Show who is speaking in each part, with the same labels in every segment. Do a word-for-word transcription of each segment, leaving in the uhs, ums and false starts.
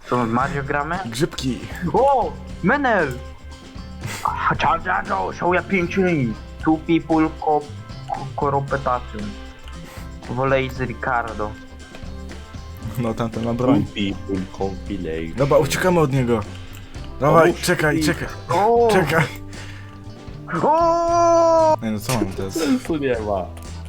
Speaker 1: Co, Mario gramy?
Speaker 2: Grzybki.
Speaker 1: O! Menel! Ciao, ciao, ciao, show ya pięciu. Two people co cooperation. Wolejzy Ricardo.
Speaker 2: No tamten ma broń.
Speaker 3: People compilation.
Speaker 2: Dobra, uciekamy od niego. Dawaj,
Speaker 3: Pomóż
Speaker 2: czekaj,
Speaker 3: mi.
Speaker 2: czekaj,
Speaker 1: O!
Speaker 2: czekaj.
Speaker 1: O!
Speaker 2: Nie no, co mam teraz?
Speaker 3: Sensu nie ma.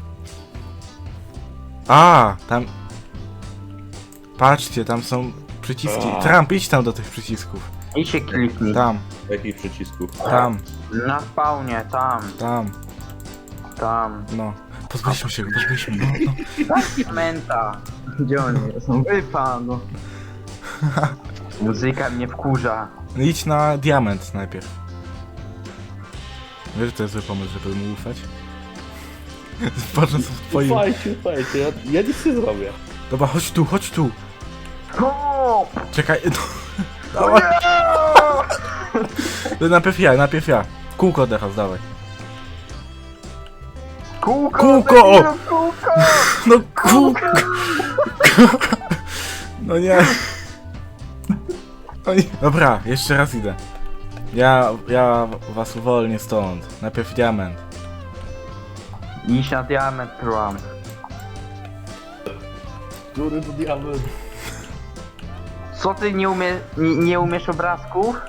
Speaker 2: A, tam... Patrzcie, tam są przyciski.
Speaker 3: A.
Speaker 2: Trump, idź tam do tych przycisków.
Speaker 1: I się kliknij.
Speaker 2: Tam,
Speaker 3: Jakich przycisków?
Speaker 2: tam,
Speaker 1: Na spawnie, tam,
Speaker 2: tam,
Speaker 1: tam.
Speaker 2: no. Pozbyliśmy się go, pozbyliśmy go. No.
Speaker 1: Menta. Gdzie oni są? Wypa, no. Muzyka mnie wkurza.
Speaker 2: No idź na diament najpierw. Wiesz, że to jest zły pomysł, żeby mu ufać? Patrzę co w twoim...
Speaker 3: Słuchajcie, słuchajcie, ja, ja nic nie zrobię.
Speaker 2: Dobra, chodź tu, chodź tu.
Speaker 1: O!
Speaker 2: Czekaj, no. Dawaj. To najpierw ja, najpierw ja. Kółko teraz, dawaj.
Speaker 1: Kółko!
Speaker 2: Kółko!
Speaker 1: debilu, Kółko!
Speaker 2: No kółko! No nie. No nie. Dobra, jeszcze raz idę. Ja, ja was uwolnię stąd. Najpierw diament.
Speaker 1: Iść na diament, Trump.
Speaker 3: Który to diament?
Speaker 1: Co ty nie, umie, nie, nie umiesz obrazków?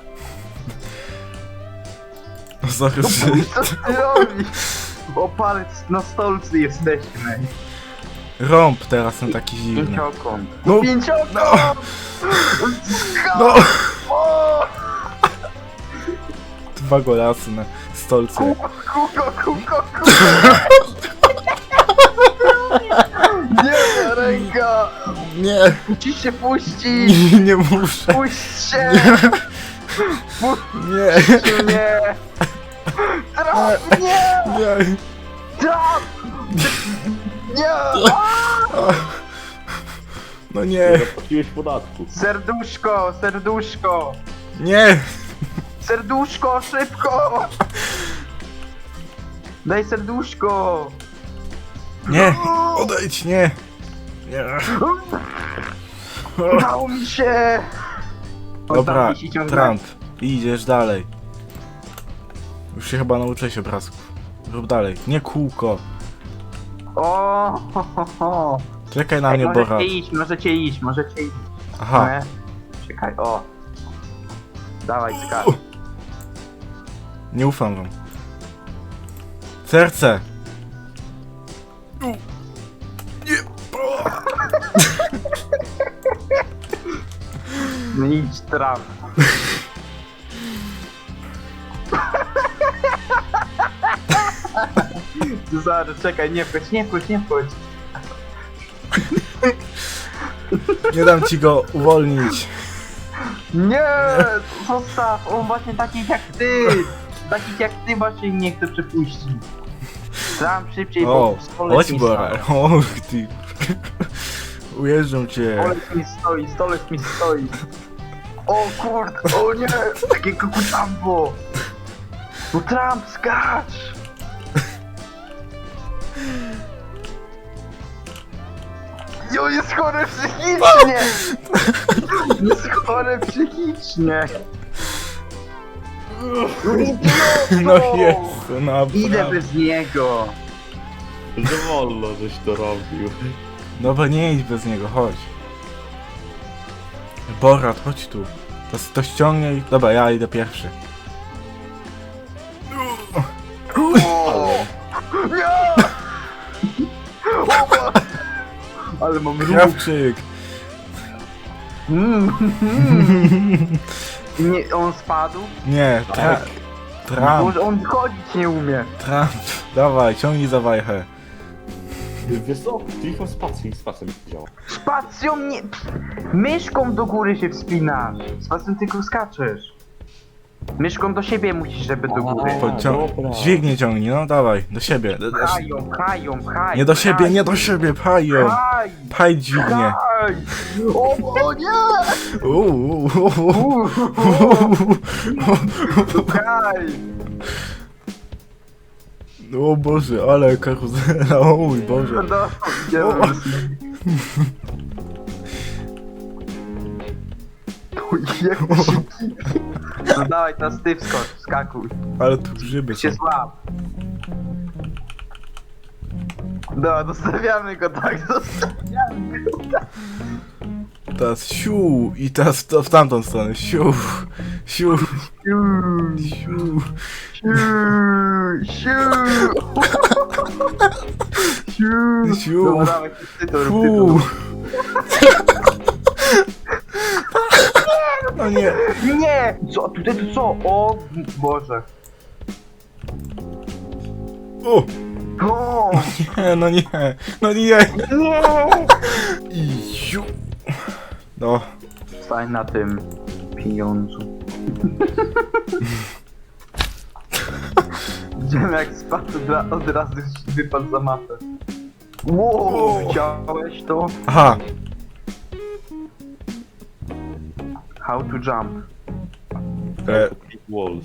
Speaker 2: No sorry,
Speaker 1: Co ty robisz? O palec na stolcu jesteśmy.
Speaker 2: rąb teraz są taki dziwny.
Speaker 1: Pięciokąt.
Speaker 2: No.
Speaker 1: Pięciokąt!
Speaker 2: No!
Speaker 1: O!
Speaker 2: Dwa golasy na stolce.
Speaker 1: Kółko, kółko, kółko, kółko! Nie, ręka!
Speaker 2: Nie,
Speaker 1: Ci się puści!
Speaker 2: nie, nie muszę.
Speaker 1: Puść się!
Speaker 2: Nie,
Speaker 1: Puść mnie! Traf! Nie!
Speaker 2: nie.
Speaker 1: Traf! Nie!
Speaker 2: No
Speaker 3: Nie
Speaker 2: nie,
Speaker 3: zapłaciłeś podatku.
Speaker 1: Serduszko, serduszko!
Speaker 2: nie.
Speaker 1: Serduszko, szybko! Daj serduszko!
Speaker 2: Nie, odejdź, nie. Nie.
Speaker 1: Udało mi się! On
Speaker 2: Dobra,
Speaker 1: tam wisi ciągle.
Speaker 2: Trump, idziesz dalej. Już się chyba nauczyłeś obrazków. Rób dalej, nie kółko.
Speaker 1: O, ho, ho, ho.
Speaker 2: Czekaj na
Speaker 1: Ej,
Speaker 2: mnie,
Speaker 1: możecie
Speaker 2: Borat.
Speaker 1: iść, możecie iść, możecie iść.
Speaker 2: Aha,
Speaker 1: Nie? Czekaj, o. Dawaj, skacz.
Speaker 2: nie ufam wam. Serce.
Speaker 1: No idź, traf. Zaraz, czekaj, nie wchodź, nie wchodź, nie wchodź.
Speaker 2: Nie dam ci go uwolnić.
Speaker 1: Nie! Zostaw! On właśnie takich jak ty! Takich jak ty właśnie nie chce przepuścić. Tam szybciej,
Speaker 2: O,
Speaker 1: bo stolec
Speaker 2: chodź
Speaker 1: mi
Speaker 2: Borat.
Speaker 1: stoi.
Speaker 2: Och ty. Ujeżdżam cię.
Speaker 1: Stolec mi stoi, stolec mi stoi. O kurde, o nie! Takiego kutambo! No Trump, skacz! Jo, jest chory psychicznie! Jest chory psychicznie!
Speaker 2: No jest, no
Speaker 1: Idę
Speaker 2: brawo.
Speaker 1: bez niego!
Speaker 3: Że wolno, żeś to robił.
Speaker 2: Dobra, nie idź bez niego, chodź. Borat, chodź tu. To, to ściągnij. Dobra, ja idę pierwszy.
Speaker 1: O! Nie! O, ma- ale mam ruch!
Speaker 2: Krawczyk.
Speaker 1: Mm, mm. Nie, on spadł?
Speaker 2: Nie, tra...
Speaker 3: Tak.
Speaker 2: Trump,
Speaker 1: Może on chodzić nie umie.
Speaker 2: Trump. Dawaj, ciągnij za wajchę.
Speaker 3: Wiesz co? Klikam spacją i spacją nie działa.
Speaker 1: Spacją nie... Myszką do góry się wspinasz. Spacją tylko skaczesz. Myszką do siebie musisz, żeby do góry.
Speaker 3: A,
Speaker 2: Podcią...
Speaker 3: dobra.
Speaker 2: Dźwignię ciągnij, no dawaj, do siebie. Do- do-
Speaker 1: Pchają, pchają, pchają.
Speaker 2: Nie do siebie, nie do siebie, pchaj ją.
Speaker 1: Pchaj,
Speaker 2: Pchaj dźwignię.
Speaker 1: pchaj. O, o nie!
Speaker 2: Uuu, uuu,
Speaker 1: Pchaj.
Speaker 2: O Boże, ale karuzela, o mój Boże.
Speaker 1: No, idziemy. Jak się... No dawaj, teraz ty wskocz, skakuj.
Speaker 2: Ale tu grzyby są.
Speaker 1: Się złap. No, zostawiamy go tak, zostawiamy go tak.
Speaker 2: Teraz siu i teraz to w tamtą stronę. Siu, siu, siu.
Speaker 1: Siu, siu. Siu.
Speaker 2: Siu.
Speaker 1: Dobra, dawaj, ty to rób, ty to
Speaker 2: Fu.
Speaker 1: rób.
Speaker 2: No nie.
Speaker 1: Nie! Co? Tutaj to co? O Boże.
Speaker 2: O!
Speaker 1: O!
Speaker 2: Nie, no nie. No nie.
Speaker 1: Nie!
Speaker 2: I siu. No.
Speaker 1: Stań na tym pieniądzu. Widziałem jak spadł od, ra- od razu wypadł za mapę. Wow, widziałeś to?
Speaker 2: Aha.
Speaker 1: How to jump.
Speaker 2: E,
Speaker 3: Big walls.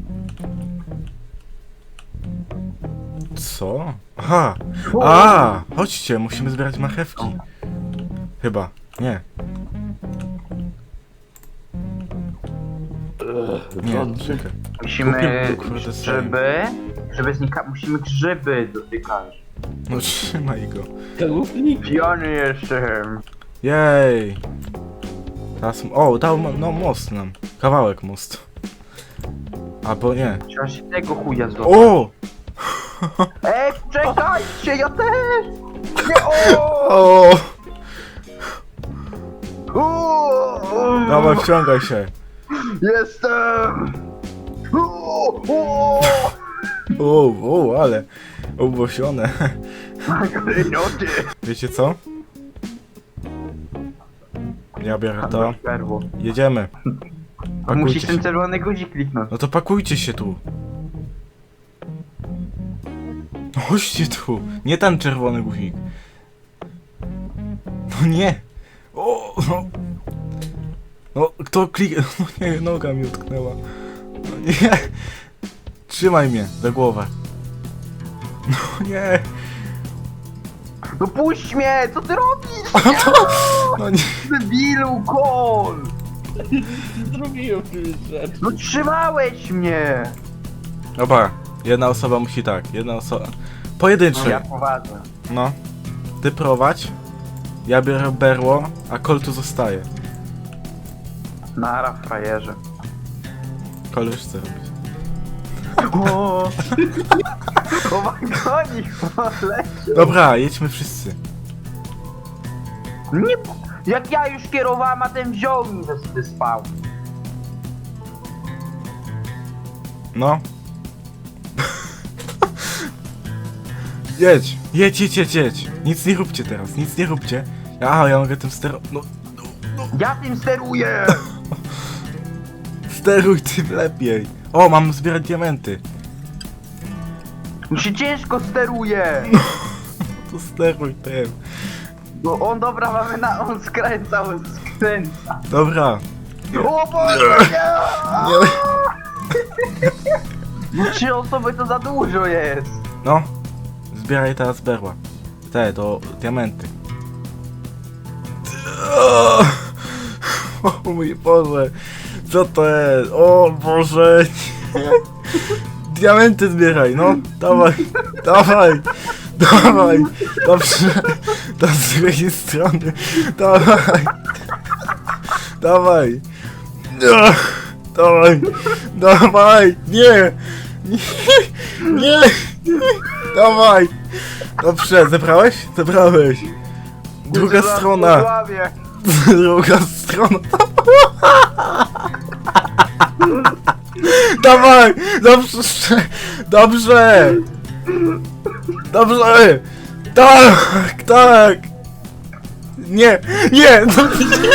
Speaker 2: co? Aha. A, chodźcie, musimy zbierać marchewki. Chyba. Nie. Nie, czekaj.
Speaker 1: Musimy
Speaker 2: Kupię, kurde,
Speaker 1: grzyby, żeby znika... musimy grzyby dotykać.
Speaker 2: No trzymaj go.
Speaker 1: Piony jeszcze.
Speaker 2: Jej. Teraz... O, dał mo- no most nam. Kawałek mostu. Albo nie.
Speaker 1: Trzeba się tego chuja zrobić.
Speaker 2: O!
Speaker 1: Ej, czekajcie, ja też! Nie, o!
Speaker 2: O!
Speaker 1: O!
Speaker 2: Dawaj, wciągaj się.
Speaker 1: Jestem! O! O!
Speaker 2: O, o, ale obłosione.
Speaker 1: Klejnoty!
Speaker 2: Wiecie co? Ja biorę to.
Speaker 1: Perło.
Speaker 2: Jedziemy. Pakujcie
Speaker 1: Musisz ten
Speaker 2: się.
Speaker 1: czerwony guzik kliknąć.
Speaker 2: No to pakujcie się tu. No chodźcie tu. Nie ten czerwony guzik. No nie. O, no. No, kto klik... No nie, noga mi utknęła. No nie. Trzymaj mnie za głowę. No nie.
Speaker 1: No puść mnie! Co ty robisz?
Speaker 2: No to... No nie.
Speaker 1: Debilu, kol!
Speaker 3: Zrobiłem tyle rzeczy.
Speaker 1: No trzymałeś mnie!
Speaker 2: Dobra. Jedna osoba musi tak. Jedna osoba... Pojedynczy.
Speaker 1: Ja prowadzę.
Speaker 2: No. Ty prowadź. Ja biorę berło, a Kol tu zostaje.
Speaker 1: Nara, frajerze.
Speaker 2: Kol już chce robić.
Speaker 1: O! O wagonik, leci!
Speaker 2: Dobra, jedźmy wszyscy.
Speaker 1: Nie, jak ja już kierowałem, a ten wziął mi ze sobie spał.
Speaker 2: No. Jedź, jedź, jedź, jedź, jedź. Nic nie róbcie teraz, nic nie róbcie. A, ja mogę tym stero... No,
Speaker 1: Ja tym steruję!
Speaker 2: steruj tym lepiej. O, mam zbierać diamenty.
Speaker 1: Mi się ciężko steruje!
Speaker 2: To steruj tym.
Speaker 1: No on dobra, mamy na... on skręca, on skręca.
Speaker 2: Dobra.
Speaker 1: O Boże, nie!
Speaker 2: Nie.
Speaker 1: No trzy osoby to za dużo jest!
Speaker 2: No. Zbieraj teraz berła. Te, to diamenty. O mój Boże. Co to jest? O Boże. Nie. Diamenty zbieraj, no. Dawaj. Dawaj. Dawaj. Dobrze. To z drugiej strony. Dawaj. Dawaj. Dawaj. Dawaj. Nie. Nie. Nie. Dawaj. Dobrze, zebrałeś? Zebrałeś. Druga
Speaker 1: Zaraz
Speaker 2: strona.
Speaker 1: posławię.
Speaker 2: Druga strona. Dawaj! Dobrze! Dobrze! Dobrze! Tak! Tak! Nie! Nie! No, nie.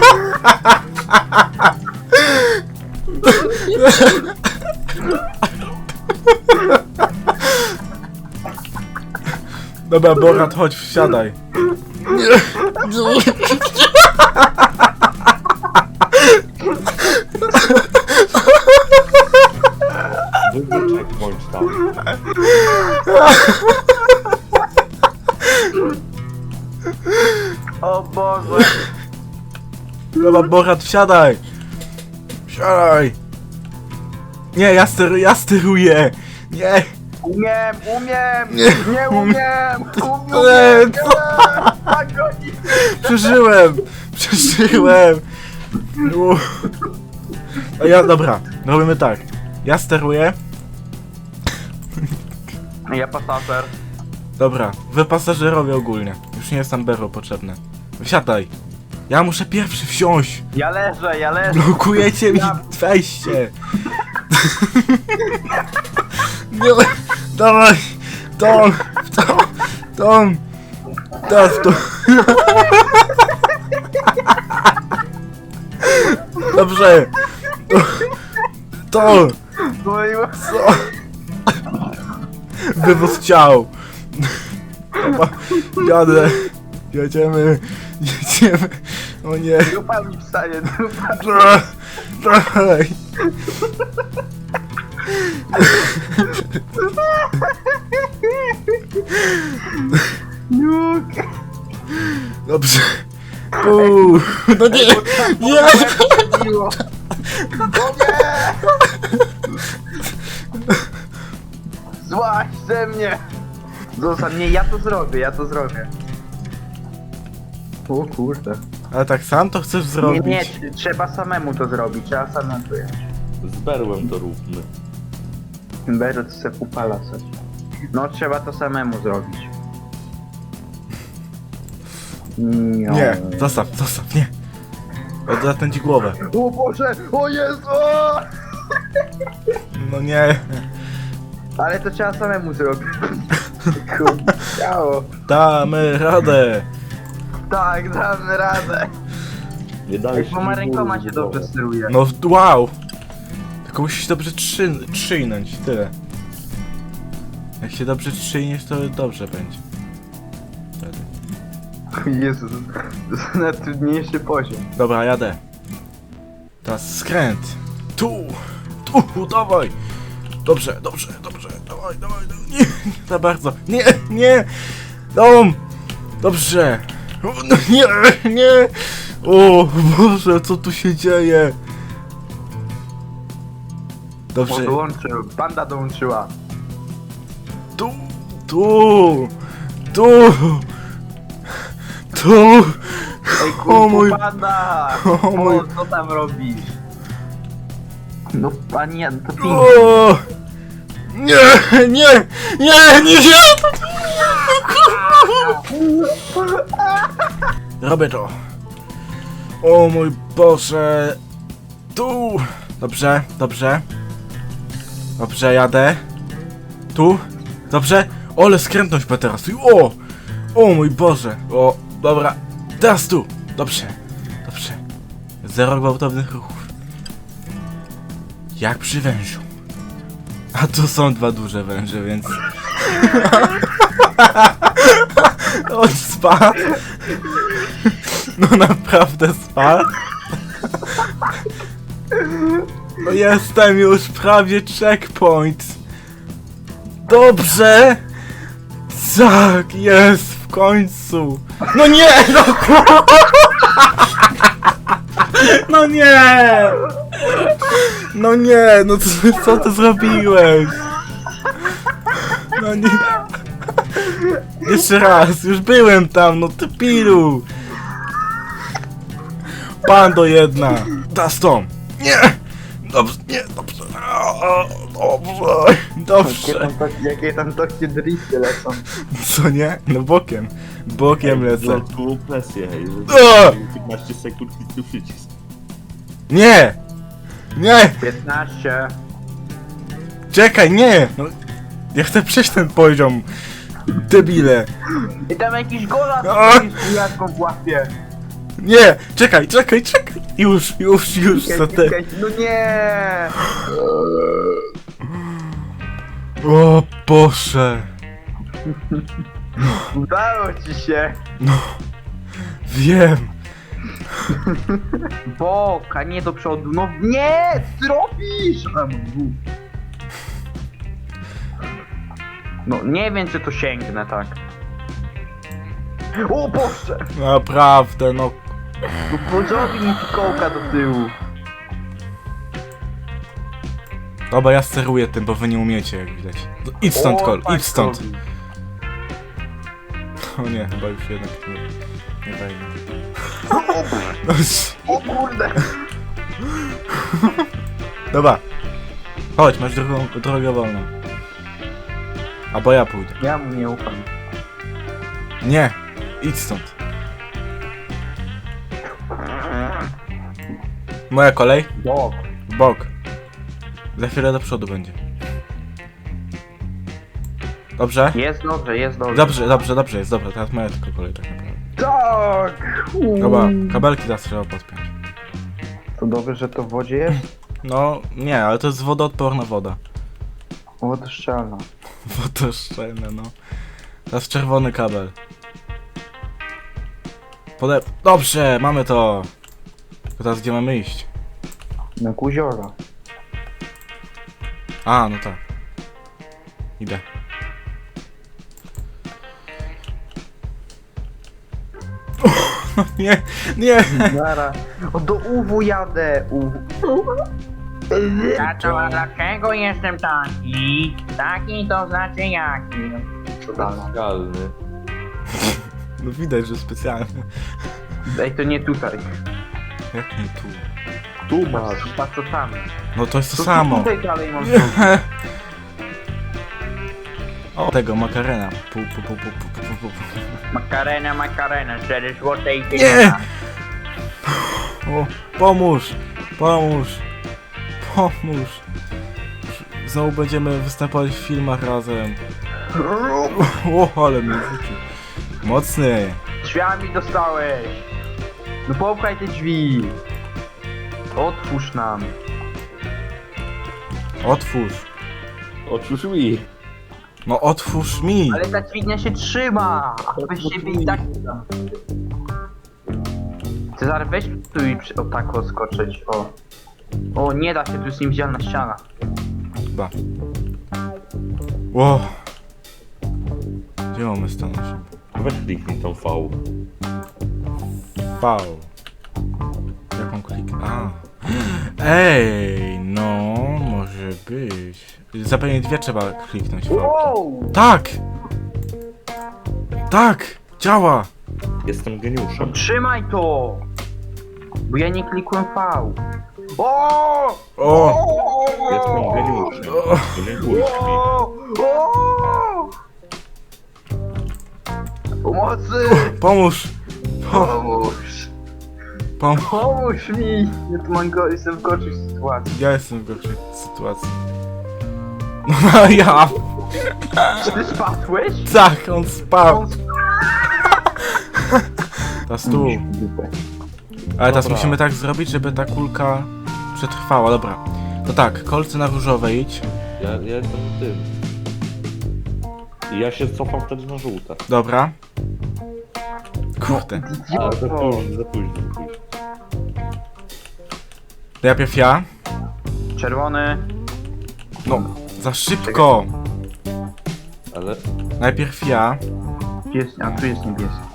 Speaker 2: Dobra, Borat, chodź, wsiadaj. Nie!
Speaker 3: Wybór checkpoint tam.
Speaker 1: O Boże!
Speaker 2: Dobra, Borat, wsiadaj! Siadaj! Nie, ja, steru, ja steruję! Nie!
Speaker 1: Umiem, umiem!
Speaker 2: Nie.
Speaker 1: Nie umiem!
Speaker 2: Nie,
Speaker 1: Umiem!
Speaker 2: co?
Speaker 1: Nie! Tak goni!
Speaker 2: Przeżyłem! Przeżyłem! U. A ja, dobra, robimy tak. Ja steruję.
Speaker 1: Ja pasażer.
Speaker 2: Dobra, wy pasażerowie ogólnie. Już nie jest tam Bero potrzebne. Wsiadaj! Ja muszę pierwszy wsiąść!
Speaker 1: Ja leżę, ja leżę.
Speaker 2: Blokujecie mi
Speaker 1: Ja-
Speaker 2: wejście! Nie, dawaj! Tom! Tom! Tom! Teraz to! Dobrze! To! To!
Speaker 1: No i
Speaker 2: Co? Wywóz ciał! Dobra, jadę! Jedziemy! Jedziemy! O nie!
Speaker 1: dupa mi wstanie, dupa.
Speaker 2: Dra- Dalej!
Speaker 1: Juk.
Speaker 2: Dobrze! Uuu, no nie! Nie!
Speaker 1: Miło. No nie! Złaź ze mnie! Zostań, nie, ja to zrobię, ja to zrobię. O kurde.
Speaker 2: Ale tak sam to chcesz
Speaker 1: Nie,
Speaker 2: zrobić?
Speaker 1: nie, tr- trzeba samemu to zrobić, trzeba samemu to jechać.
Speaker 3: Z berłem to róbmy.
Speaker 1: Bero, to se upala coś. No, trzeba to samemu zrobić. Nie.
Speaker 2: Nie, zostaw, zostaw, nie! Odetnę ci głowę.
Speaker 1: O Boże, o Jezu! o!
Speaker 2: No nie!
Speaker 1: Ale to trzeba samemu zrobić. Kurde, ciało.
Speaker 2: Damy radę!
Speaker 1: Tak, damy radę.
Speaker 3: Nie
Speaker 1: Ej,
Speaker 3: dałeś
Speaker 1: bo ma
Speaker 3: mi
Speaker 1: rękoma
Speaker 3: bólu
Speaker 1: się
Speaker 3: w
Speaker 1: dobrze
Speaker 3: głowę.
Speaker 1: steruje.
Speaker 2: No wow! Tylko musisz dobrze trzy, trzyjnąć, tyle. Jak się dobrze trzyjniesz, to dobrze będzie. Wtedy.
Speaker 1: Jezu, to jest najtrudniejszy poziom.
Speaker 2: Dobra, jadę. Teraz skręt. Tu! Tu, dawaj! Dobrze, dobrze, dobrze, dawaj, dawaj, dawaj. Nie, nie za bardzo. Nie, nie! Dom! Dobrze! O, no nie, nie! O Boże, co tu się dzieje?
Speaker 1: O,
Speaker 2: Dobrze,
Speaker 1: dołączył, banda dołączyła.
Speaker 2: tu, tu, tu, tu.
Speaker 1: Ej,
Speaker 2: O mój-
Speaker 1: kurwa, banda!
Speaker 2: o mój-
Speaker 1: O, co tam robisz? No, panie, to pięknie.
Speaker 2: O! Nie, nie, nie, nie, nie! Robię to. O mój Boże. Tu. Dobrze, dobrze. Dobrze, jadę. Tu. Dobrze. Ole, skrętność po teraz. O! O mój Boże. O, dobra. Teraz tu. Dobrze. Dobrze. Zero gwałtownych ruchów. Jak przy wężu. A tu są dwa duże węże, więc... On spadł. No naprawdę spadł. No jestem już prawie checkpoint. Dobrze. Tak, jest w końcu. No nie, no ku- No nie. No nie, no co, co ty zrobiłeś? No nie. Jeszcze raz, już byłem tam, no ty pilu. Pando jedna. Dastom. Nie. Dobrze, nie, dobrze. O, Dobrze,
Speaker 1: Jakie
Speaker 2: dobrze.
Speaker 1: tam, tak, jakie tam takie drifty lecą.
Speaker 2: Co nie? No bokiem. Bokiem lecę.
Speaker 3: No, tu presję, hej.
Speaker 2: O!
Speaker 3: piętnaście sekund i tu przycisk.
Speaker 2: Nie! Nie!
Speaker 1: piętnaście.
Speaker 2: Czekaj, nie! No, ja chcę przejść ten poziom. Debile.
Speaker 1: I tam jakiś gola
Speaker 2: A!
Speaker 1: z jadką w łapie.
Speaker 2: Nie! Czekaj, czekaj, czekaj! Już, już, już, co te...
Speaker 1: No nie!
Speaker 2: O Boże!
Speaker 1: Udało ci się!
Speaker 2: No... Wiem!
Speaker 1: Bok, a nie do przodu. No nie! Zrobisz! A, bu. No nie wiem, czy to sięgnę, tak. O Boże!
Speaker 2: Naprawdę, no...
Speaker 1: No zrobi mi fikołka do tyłu.
Speaker 2: Dobra, ja steruję tym, bo wy nie umiecie, jak widać. No, idź stąd,
Speaker 1: O,
Speaker 2: Kol,
Speaker 1: tak
Speaker 2: idź stąd.
Speaker 1: robi.
Speaker 2: O nie, chyba już jednak nie, nie wejdę.
Speaker 1: O kurde!
Speaker 2: Dobra. Chodź, masz drugą, drogę wolną. Albo ja pójdę.
Speaker 1: Ja mu nie ufam.
Speaker 2: Nie, idź stąd. Moja kolej?
Speaker 1: Bok.
Speaker 2: W bok. Za chwilę do przodu będzie. Dobrze?
Speaker 1: Jest dobrze, jest dobrze.
Speaker 2: Dobrze, dobrze, dobrze jest, dobra, teraz moja tylko kolej tak naprawdę.
Speaker 1: Tak!
Speaker 2: Dobra, kabelki teraz trzeba podpiąć.
Speaker 1: To dobrze, że to w wodzie jest?
Speaker 2: No, nie, ale to jest wodoodporna woda.
Speaker 1: Wodoszczelna.
Speaker 2: Wodoszczelne, no. Teraz czerwony kabel. Pode... Dobrze, mamy to! Tylko teraz gdzie mamy iść?
Speaker 1: Na kuziora.
Speaker 2: A, no tak. Idę. O, nie, nie!
Speaker 1: Zara. O, do U W jadę. U W.
Speaker 4: Tato, a dlaczego jestem taki? Taki to znaczy jaki?
Speaker 3: Specjalny.
Speaker 2: No widać, że specjalnie.
Speaker 1: Ej, to nie tutaj.
Speaker 2: Jak nie tu?
Speaker 3: Tu masz.
Speaker 1: Patrz co tam.
Speaker 2: No to jest to
Speaker 1: To
Speaker 2: samo.
Speaker 1: Tutaj dalej mam
Speaker 2: O, tego makarena. Pu, pu, pu, pu, pu, pu, pu, pu.
Speaker 4: Makarena, makarena, cztery złote i
Speaker 2: Nie!
Speaker 4: pięćdziesiąt.
Speaker 2: O, pomóż! Pomóż! Pomóż! Znowu będziemy występować w filmach razem. O, ale mnie wrócił. Mocny!
Speaker 1: Drzwiami dostałeś. No popchaj te drzwi. Otwórz nam.
Speaker 2: Otwórz!
Speaker 3: Otwórz mi.
Speaker 2: No otwórz mi!
Speaker 1: Ale ta dźwignia się trzyma. Weź siebie i tak. Cezar, weź tu i przy... o tak o skoczyć. O. O, nie da się, tu jest niewidzialna ściana.
Speaker 2: Chyba. Ło! Gdzie mamy stanąć?
Speaker 3: Weź kliknij tą V.
Speaker 2: V. Jaką klik? A. Ej, no, może być. Zapewne dwie trzeba kliknąć. V.
Speaker 1: Wow!
Speaker 2: Tak! Tak! Działa!
Speaker 3: Jestem geniuszem.
Speaker 1: Trzymaj to! Bo ja nie klikłem V. O!
Speaker 2: O!
Speaker 3: Jestem geniuszem. Denerwujesz mi.
Speaker 1: O! O! Pomocy!
Speaker 2: Pomóż! Po,
Speaker 1: Pomóż!
Speaker 2: pom
Speaker 1: Pomóż mi! Ja tu mam go, jestem w gorszej sytuacji.
Speaker 2: ja jestem w gorszej sytuacji. No ja!
Speaker 1: Czy ty spadłeś?
Speaker 2: Tak, on spadł!
Speaker 1: On
Speaker 2: Teraz tu. Ale teraz
Speaker 3: Dobra.
Speaker 2: musimy tak zrobić, żeby ta kulka przetrwała. Dobra. To tak, kolce na różowe idź.
Speaker 3: Ja, ja jestem tym. I ja się cofam wtedy na żółte.
Speaker 2: Dobra. Kurde.
Speaker 3: Ale za
Speaker 1: Idioto!
Speaker 3: późno, za późno, za późno.
Speaker 2: Najpierw ja.
Speaker 1: Czerwony.
Speaker 2: No, za szybko.
Speaker 3: Ale...
Speaker 2: Najpierw ja.
Speaker 1: Jest, a tu jest niebieski.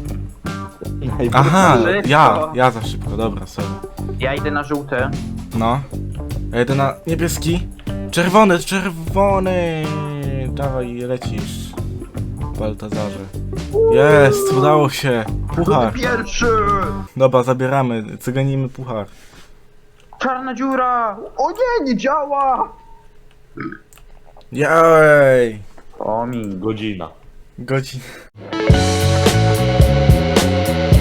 Speaker 2: Aha,
Speaker 1: Szybko.
Speaker 2: ja. Ja za szybko, dobra, sorry.
Speaker 1: Ja idę na żółte.
Speaker 2: No. Ja jedę na niebieski. Czerwony, czerwony. Dawaj, lecisz. Baltazarze. Jest, udało się. Puchar.
Speaker 1: Pierwszy!
Speaker 2: Dobra, zabieramy, cyganimy puchar.
Speaker 1: Czarna dziura! O nie, nie działa!
Speaker 2: Jej!
Speaker 1: O mi.
Speaker 3: Godzina.
Speaker 2: Godzin.